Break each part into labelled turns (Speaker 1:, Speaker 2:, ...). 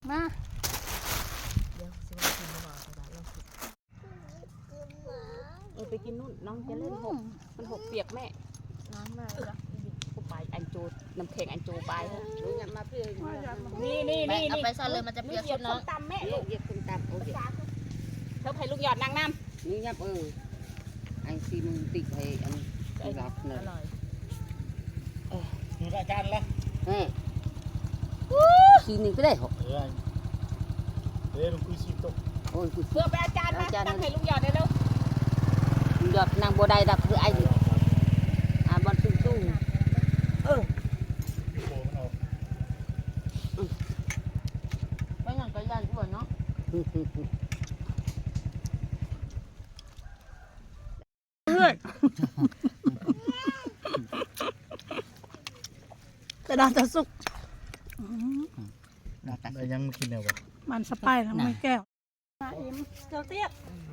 Speaker 1: มา
Speaker 2: เดี๋ยวสิว่ากินบ่บ่ได้ลองสิไปกินนู่นน้องจะเล่นหกมันหกเปียกแม่น้ำมาแล้วกูไปอันโจน้ำแข็งอันโจไปหนูอยากมาเพื่อนนี่เอาไปซ่อนเลยมันจะเปียกชุดน้องตำแม่ลูกเหยียบส้มตำโอเคเธอให้ลูกหยอดนางน้ำนี่ยับอันซีมึงติดให้อันรับเลยอร่อย
Speaker 3: อยู่อาจารย์ละ
Speaker 2: ซีนึงก็ได้หก
Speaker 3: ลุงคุยซีตก
Speaker 2: โอ้ยเพื่อไปอาจารย์มาตั้งให้ลูกหยอดได้แล้วหยอดนางโบได้ดับคือไอ้บอลตุ้งไม่งั้นก็ยันอ้วนเนาะ
Speaker 1: แต่ดาจะสุก
Speaker 3: แต่ยังไม่กินแล้ววะ
Speaker 1: มันสไปร์ทำไมแก้วมาอิ่มเจ้าเตี้ย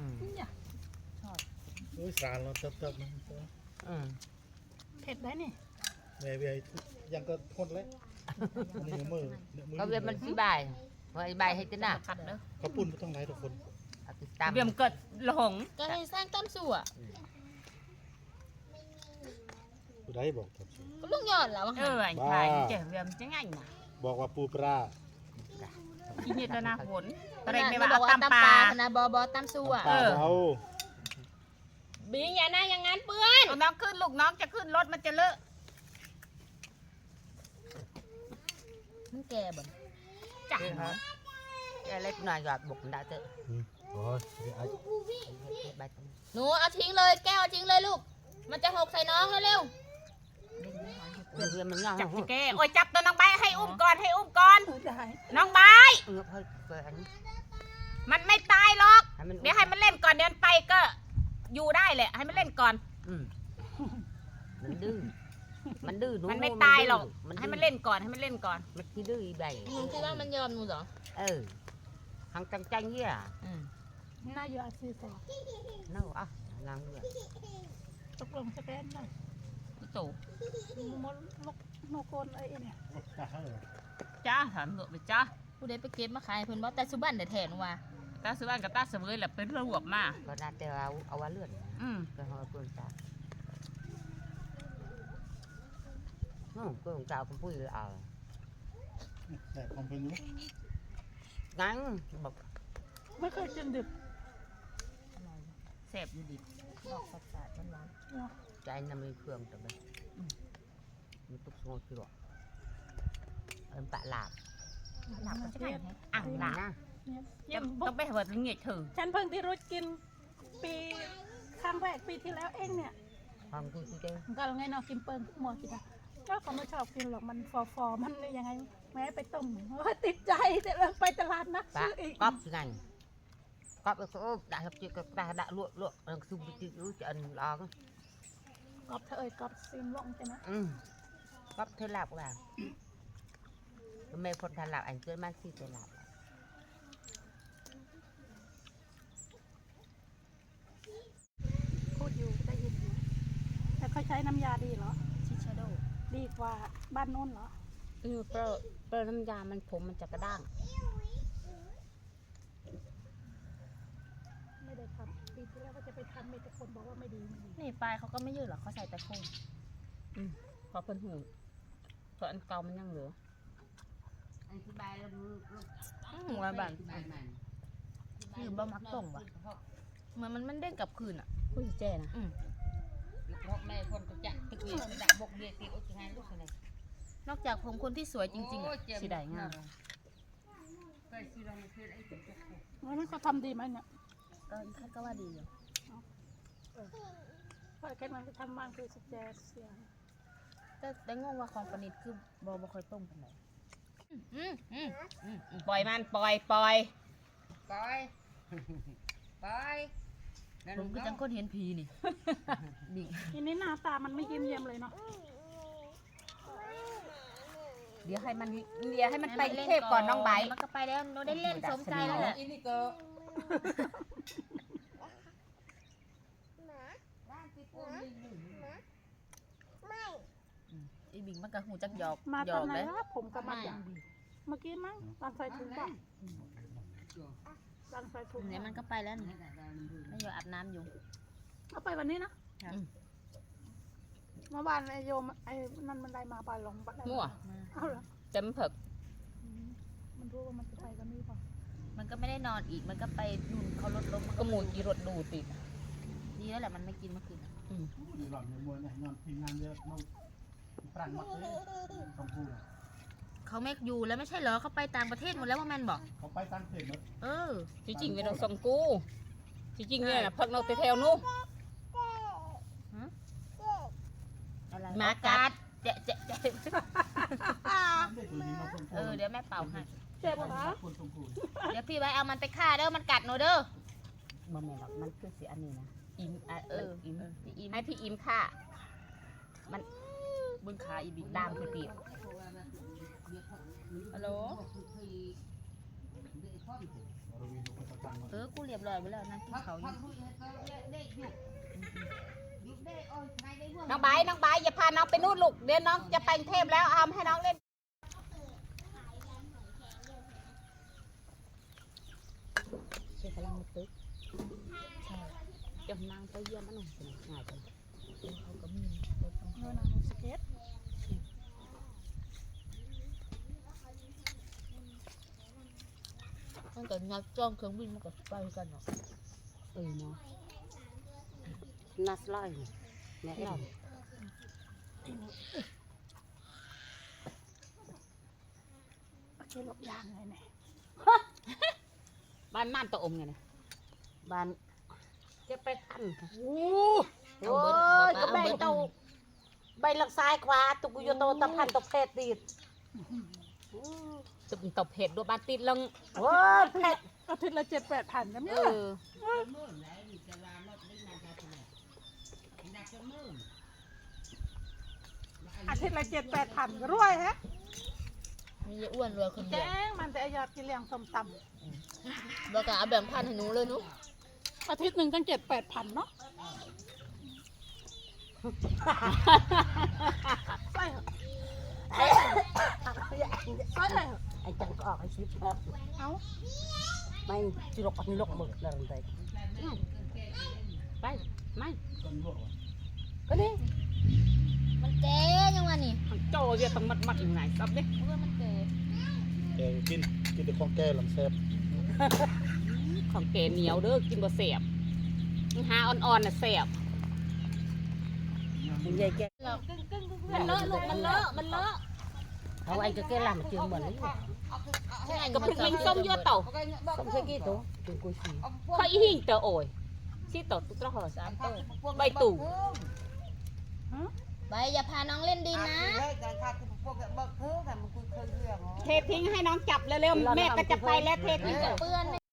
Speaker 3: โอ้ยสารเราเติบมัน
Speaker 1: เผ็ดได้นี่
Speaker 3: แม่เวียยังก็ทนเลยนี่มือ
Speaker 2: เขาเวียมันสีใบใบให้เจ้าหน้า
Speaker 3: เขาปุ่นไม่ต้องไล่ทุกคน
Speaker 2: เวียมเกิดหลง
Speaker 4: ก็ให้สร้างตั้มสู่อ่ะ
Speaker 3: กูได้บอกครับ
Speaker 4: ก็ลุงยอดแล้ว
Speaker 2: ไอ้ชายเจ๋อเวียมจะง่ายนะ
Speaker 3: บอกว่าปูปลา
Speaker 2: กินเยอะนะฝนตะเรงไม่ว่าตั้มปลา
Speaker 4: นะบอตั้มสู่อ่ะบีอย่าหน้าอย่างนั้นเปื้อน
Speaker 2: น้องขึ้นลูกน้องจะขึ้นรถมันจะเลอะ
Speaker 4: มันแก่บ่
Speaker 2: จ้ะแกเล็กหน่อยหยอดบุกได้เถอะ
Speaker 4: หนูเอาทิ้งเลยแก้วทิ้งเลยลูกมันจะหกใส่น้องเร็ว
Speaker 2: จับแกโอ้ยจับตัวน้องใบให้อุ้มก่อนน้องใบมันไม่ตายหรอกเดี๋ยวให้มันเล่นก่อนเดินไปก็อยู่ได้แหละให้มันเล่นก่อนมันดื้อมันไม่ตายหรอกให้มันเล่นก่อนมันคิดดื้ออีใบ
Speaker 4: หนูคิดว่ามันยอมหนูเหรอ
Speaker 2: หังจังเหี้ย
Speaker 1: น่าอยู่อาชีพ
Speaker 2: น่าอ่ะนางเหี้ย
Speaker 1: ตกลงสแกนหน่อย
Speaker 2: ตู่
Speaker 1: มดนกโกนไอ้เนี่ย
Speaker 2: จ้าถามหนูไปจ้า
Speaker 4: ผู้ใดไปเก็บมาขายเพิ่นบอกแต่สุบันแต่แทนว่า
Speaker 2: ตาสุบันกับตาเสวยแหละเป็นระบบมาก็น่าจะเอาว่าเลื่อนก็เอาเปลือกตาก็ของเจ้าคุณปุ้ยเอา
Speaker 3: แต่ของเพิ่นอยู่
Speaker 2: งั้นบอก
Speaker 1: ไม่เคยกินดิบ
Speaker 2: แซ่บอยู่ดิบ
Speaker 4: บอกสัตว์หวาน
Speaker 2: ใจน้ำมีเครื่องแต่แบบมันตุกโง่คือหรอปะหลาบ
Speaker 4: มันจะไง
Speaker 2: อ่างหลาบต้องไปหาเงี้ยถือ
Speaker 1: ฉันเพิ่งที่รู้กินปีครั้งแรกปีที่แล้วเองเนี่ย
Speaker 2: ความจริงจริง
Speaker 1: ก็ไงเนาะกินเปิ้ลหมดจ้ะก็เขาไม่ชอบกินหรอกมันฟอมันยังไงแม้ไปต้มติดใจแต่เราไปตลาดนัดซื้ออีก
Speaker 2: ก๊อปไงก๊อปก็ได้ครับจีก็ได้ลวกซุ่มจีรู้จะอันร้อง
Speaker 1: ก๊อปเธอก๊อปซิมลงใช่ไหม
Speaker 2: ก๊อปเธอหลับว่าไม่พ้นทันหลับอันเกินมากที่เธอหลับ
Speaker 1: พูดอยู่ได้ยินอยู่แต่เขาใช้น้ำยาดีเหรอ
Speaker 4: ชิชาโด
Speaker 1: ดีกว่าบ้านโน้นเหรอ
Speaker 2: เปรน้ำยามันผมมันจะกระด้าง
Speaker 1: ไม่ได้ทำปีที่แล้วก็จะไปทำมีแต่คนบอกว่าไม่ดี
Speaker 4: นี่ปลายเขาก็ไม่ยืดหรอกเขาใส่แต่โค้ง
Speaker 2: พอเพิ่นหูส่วนอันเก่ามันยังเหลืออันที่ใบแล้ว
Speaker 4: หัวบันคือบ่มักส่งว่ะเหมือนมันเด้งกลับคืนอ่ะ
Speaker 2: ผู้แจ้นะแม่คนก็จะตึกเวียนดักบกเบียตีโอ้ยงานลูกอะไร
Speaker 4: นอกจากผมคนที่สวยจริงๆ
Speaker 2: สีได้งาม
Speaker 1: มันเขาทำดีไหมเนี่ย
Speaker 4: ก็ว่าดีอยู่
Speaker 1: เพราะแค่มันไปทำบ้านคือสแจเสีย
Speaker 4: แต่งงว่าของปนิดคือบ่ค่อยต้มกันเลย
Speaker 2: ปล่อยมันปล่อย
Speaker 4: ผมก็จังคนเห็นผีนี่
Speaker 1: ทีนี้หน้าตามันไม่ยิ้มเยี่ยมเลยเนาะ
Speaker 2: เดี๋ยวให้มันไปเทพก่อนน้องใบ
Speaker 4: มันก็ไปแล้วเราได้เล่นสมใจแล้วแหละอีบิงมันก็หูจักหยอก
Speaker 1: มาตอนไหนวะผมก็มาอย่างดีเมื่อกี้มั้งตอนใส่ถุงป่ะตอนใส่ถุง
Speaker 4: เนี่ยมันก็ไปแล้วนี่ไม่อยู่อาบน้ำอยู่
Speaker 1: เอาไปวันนี้นะเมื่อวานไอโยมไอ้นั่นมันได้มาไปลงบัดได้
Speaker 2: มั่ว
Speaker 1: เอาเหรอ
Speaker 2: เต็มเผิก
Speaker 1: มันรู้ว่ามันจะไปกันนี่ป่ะ
Speaker 4: มันก็ไม่ได้นอนอีกมันก็ไปนู่นเขารถล้มมัน
Speaker 2: ก็หมูจีรถดูติด
Speaker 4: ดีแล้วแหละมันไม่กินเมื่อคืน
Speaker 3: มีหลอดมีมวยเนี่ยนอนทีมงานเยอะน้องปรันหมดเลยต้องพูด
Speaker 4: เขาไม่อยู่แล้วไม่ใช่เหรอเขาไปต่างประเทศหมดแล้วว่าแมนบอก
Speaker 3: เขาไปตั้งเพจหมด
Speaker 4: เออ
Speaker 2: จริงๆเป็นน้องสงกูจริงๆเนี่ยนะพักนกแถวๆนู้น
Speaker 4: อะไรมากัดเจ๊เจ๊เจ๊
Speaker 3: ได้ตัวนี้มาคน
Speaker 4: เดี๋ยวแม่เป่าให้
Speaker 1: เจ็บปะ
Speaker 3: คนตรงกู
Speaker 4: เดี๋ยวพี่ไว้เอามันไปฆ่าเด้อมันกัดหนูเด้อ
Speaker 2: มันไม่หรอกมันคือสีอันนี้นะอิมอิม
Speaker 4: พี่อิม
Speaker 2: ให้พี่อิมค่ะ
Speaker 4: บนขาอีบิ
Speaker 2: ดามคือปีก
Speaker 4: ฮัลโหล
Speaker 3: เราวินคนตะตัง
Speaker 4: กูเรียบร้อยไปแล้วนั่งกินเขาอยู่
Speaker 2: น้องใบอย่าพาน้องไปนู่นลูกเดี๋ยวน้องจะไปกรุงเทพแล้วเอาให้น้องเล่นเชื่อกำลังตึกใช่จะนั่งไปเยี่ยมมันหน่อยง่ายจัง
Speaker 4: เขาก็มี
Speaker 1: เงินอะสเก็ต
Speaker 4: มันก็งัดจ้องเครื่องบินมันก็ไปกันเนาะ
Speaker 2: เนาะนัสไลเนี่ยเรา
Speaker 1: โอเคหลบยางเลยเนี่ย
Speaker 2: บ้านม่านตะอมไงเนี่ยบ้านจะไปทัน
Speaker 1: โอ้
Speaker 2: โอ้ยก็ใบเตาใบหลักซ้ายขวาตุกุยโตตะพันตะเพชรติดตุกตะเพชรด้วยบ้านติดลังโอ้ยเพชร
Speaker 1: อาทิตย์ละ7-8,000กันเนี่ยอาทิตย์ละ7-8,000ก็รวยฮะ
Speaker 4: มีอ้วนรวยคนเดี
Speaker 1: แจ้
Speaker 4: ยว
Speaker 1: งมันแต่ยอดกินเลี้ยงส้มต
Speaker 4: แล้วก็เอาแบ่งพันให้หนูเลยหนู
Speaker 1: ำอาทิตย์หนึ่งตั้ง7-8,000เนาะใส่เหรอใส่เหรอ
Speaker 2: ไอ้จังก็ออกไอ้ชิปครับ
Speaker 1: เอา
Speaker 2: ไม่จุลปันลกหมึกอะไรไปไปไม่
Speaker 3: ต้นลวก
Speaker 2: ก็นี่
Speaker 4: มันเจ๊ยังวะนี่
Speaker 2: โจเยอะต้องมัดยังไงซับดิ
Speaker 4: เพื่อมันเจ๊
Speaker 3: แกกินแต่ของแก่ลำแซ่บ
Speaker 2: ของแกเหนียวเด้อกินบ่เสียบหาอ่อนๆน่ะเสียบใหญ่แก
Speaker 4: มันเลอะลูกมันเลอะมันเลอะ
Speaker 2: เอาไอ้ก็แกลำเจียงเหมือน
Speaker 4: ใช่
Speaker 2: ก็พริกลิงส้มเยอะเต่า
Speaker 3: ส้มใส่กี่ตัวตัวกุยสี
Speaker 2: ข้อยอีหิ่งเตอโอยชี้เต่าตุ๊กตาหอ3ตัวใบตู่
Speaker 4: ใบอย่าพาน้องเล่นดินนะ
Speaker 2: เททิ้งให้น้องจับเร็วๆแม่ก็จะไปแล้วเททิ้ง
Speaker 4: เปื้อน